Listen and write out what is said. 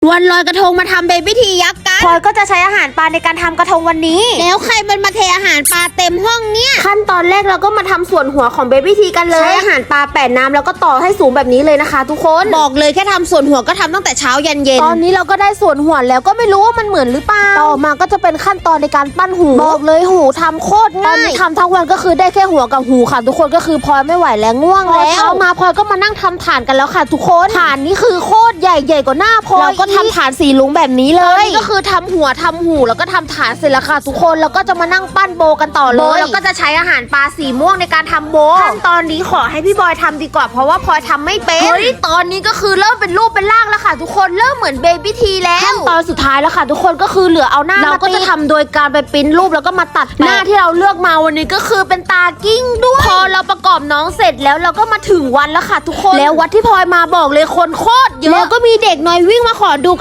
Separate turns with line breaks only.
วันลอยกระทงมาทำเบบี้ทียักษ์กัน
พลอยก็จะใช้อาหารปลาในการทำกระทงวันนี้
แล้วใครมันมาเทอาหารปลาเต็มห้องเนี่ย
ขั้นตอนแรกเราก็มาทำส่วนหัวของเบบี้ทีกันเลยใช้อาหารปลาแปะน้ำแล้วก็ต่อให้สูงแบบนี้เลยนะคะทุกคน
บอกเลยแค่ทำส่วนหัวก็ทำตั้งแต่เช้ายันเย็น
ตอนนี้เราก็ได้ส่วนหัวแล้วก็ไม่รู้ว่ามันเหมือนหรือเปล่าต่อมาก็จะเป็นขั้นตอนในการปั้นหูบอกเลยหูทำโคตรง่ายตอนนี้ทำทั้งวันก็คือได้แค่หัวกับหูค่ะทุกคนก็คือพลอยไม่ไหวแล้วง่วงแล้วเช้ามาพลอยก็มานั่งทำฐานกันแล้วค่ะทุกคนฐานนี้คือโคตรใหญ่กว่าหน้าพลอยเราก็ทำฐานสีลุงแบบนี้เลยก็คือทำหัวทำหูแล้วก็ทำฐานเสร็จแล้วค่ะทุกคนแล้วก็จะมานั่งปั้นโบกันต่อเลยแล้วก็จะใช้อาหารปลาสีม่วงในการทำโบขั้นตอนนี้ขอให้พี่บอยทำดีกว่าเพราะว่าพลอยทำไม่เป็นเฮ้ยตอนนี้ก็คือเริ่มเป็นรูปเป็นร่างแล้วค่ะทุกคนเริ่มเหมือนเบบี้ทีแล้วขั้นตอนสุดท้ายแล้วค่ะทุกคนก็คือเหลือเอาหน้าเราก็จะทำโดยการไปปริ้นรูปแล้วก็มาตัดหน้าที่เราเลือกมาวันนี้ก็คือเป็นตากิ้งด้วยพอเราประกอบน้องเสร็จแล้วเราก็มาถึงวันแล้วค่ะทุกคนแล้ววัดที่พลอยมาบอกเลยคนโคตรเยอะแล้วก็มีเด็กน้อยวิ่งมาขอดู